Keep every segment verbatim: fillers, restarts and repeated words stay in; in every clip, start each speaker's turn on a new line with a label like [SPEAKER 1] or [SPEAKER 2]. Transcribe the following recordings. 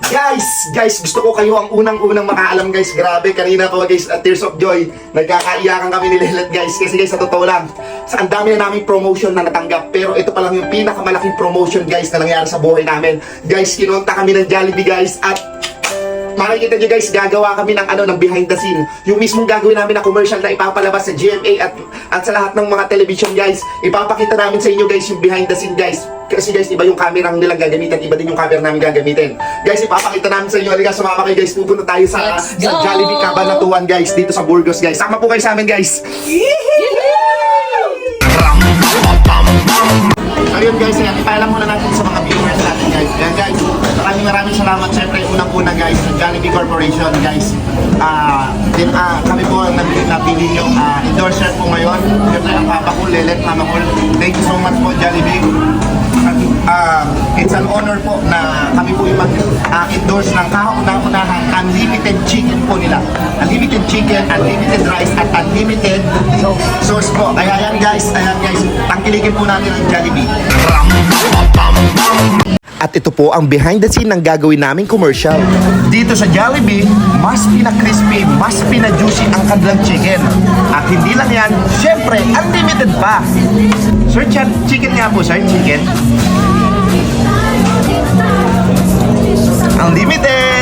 [SPEAKER 1] Guys, guys, gusto ko kayo ang unang-unang makaalam guys. Grabe, kanina pa guys, at Tears of Joy, nagkakaiyakan kami ni Lelet guys. Kasi guys, sa totoo lang, sa ang dami na naming promotion na natanggap. Pero ito pa lang yung pinakamalaking promotion guys na nangyari sa buhay namin. Guys, kinonta kami ng Jollibee guys at makikita nyo guys, gagawa kami ng ano, ng behind the scene. Yung mismong gagawin namin na commercial na ipapalabas sa G M A at, at sa lahat ng mga television guys. Ipapakita namin sa inyo guys yung behind the scene guys. Kasi guys, iba yung camera nilang gagamitin, iba din yung camera namin gagamitin. Guys, ipapakita namin sa inyo. Halika, sumama kayo guys. Pupunta tayo sa, sa Jollibee Cabanatuan guys, dito sa Burgos guys. Sama po kayo sa amin guys. Ayun guys, ayan, ipaalam muna natin sa mga viewers natin guys. Ayan guys, maraming maraming salamat syempre unang-una guys sa Jollibee Corporation guys. Ah, din ah kami po ang nabili napili yung uh, endorser po ngayon. Syempre ang papa ko, Lelet, mama ko. Thank you so much po Jollibee. Uh, it's an honor po na kami po yung mag-endorse uh, ng kauna-unahang unlimited chicken po nila. Unlimited chicken, unlimited rice, at unlimited sauce po. Kaya yan guys, ayan guys, tangkilikin po natin ang Jollibee. At ito po ang behind the scene ng gagawin naming commercial. Dito sa Jollibee, mas pina-crispy, mas pina-juicy ang kanilang chicken. At hindi lang yan, syempre, unlimited pa. Sir, chicken nga po, sir, chicken. Unlimited!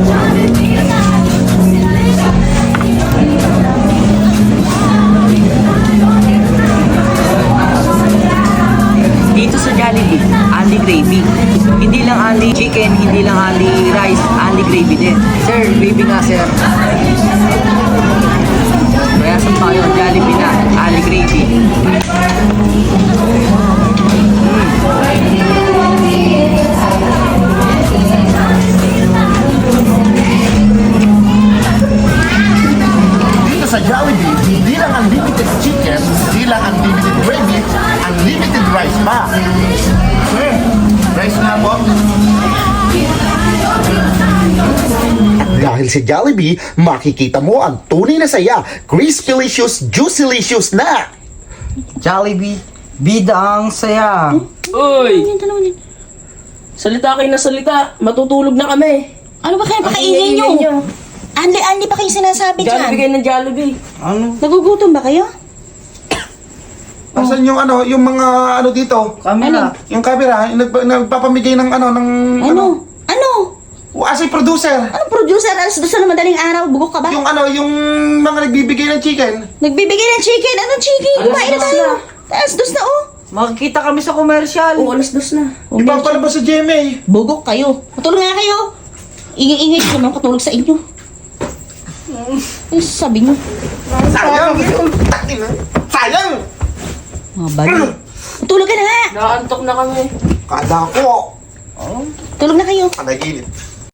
[SPEAKER 2] Dito sa Jollibee, only gravy. Hindi lang only chicken, hindi lang only rice, only gravy din. Sir, gravy nga sir. Kaya saan tayo, Jollibee na, only gravy.
[SPEAKER 1] Dito sa Jollibee, hindi lang unlimited chicken, hindi lang unlimited gravy, unlimited rice pa. Sir, rice nga po. At dahil sa Jollibee, makikita mo ang tunay na saya, crispylicious, juicylicious na!
[SPEAKER 2] Jollibee, bida ang saya.
[SPEAKER 3] Uy! Salita kayo na salita. Matutulog na kami.
[SPEAKER 4] Ano ba kayo
[SPEAKER 3] Ang
[SPEAKER 4] pakaingay
[SPEAKER 3] ingay
[SPEAKER 4] nyo?
[SPEAKER 3] nyo.
[SPEAKER 4] Anli-anli pa kayo sinasabi
[SPEAKER 3] Jollibee
[SPEAKER 4] dyan.
[SPEAKER 3] kayo ng Jollibee.
[SPEAKER 2] Ano?
[SPEAKER 4] Nagugutom ba kayo?
[SPEAKER 1] Asan yung ano, yung mga ano dito?
[SPEAKER 2] Camera.
[SPEAKER 1] Yung camera, yung nagpa, nagpapamigay ng ano, ng
[SPEAKER 4] Ano? Ano?
[SPEAKER 1] As a producer.
[SPEAKER 4] Anong producer? Alas dos na madaling araw? Bugok ka ba?
[SPEAKER 1] Yung ano, yung mga nagbibigay ng chicken.
[SPEAKER 4] Nagbibigay ng chicken. Anong chicken?
[SPEAKER 3] Alas
[SPEAKER 4] Kumain na
[SPEAKER 3] dos
[SPEAKER 4] tayo.
[SPEAKER 3] na.
[SPEAKER 4] Alas dos na oh.
[SPEAKER 2] Makikita kami sa commercial.
[SPEAKER 3] Oo, alas dos na.
[SPEAKER 1] Ipapalabas sa G M A.
[SPEAKER 4] Bugok kayo. Matulog nga kayo. Ingay-ingay ko naman katulog sa inyo. Ano sabi nyo?
[SPEAKER 1] Sayang! Sayang!
[SPEAKER 4] Mga bali. Matulog ka na nga.
[SPEAKER 3] Nakaantok na kami.
[SPEAKER 1] Kada ko.
[SPEAKER 4] Tulog na kayo.
[SPEAKER 1] Panaginip.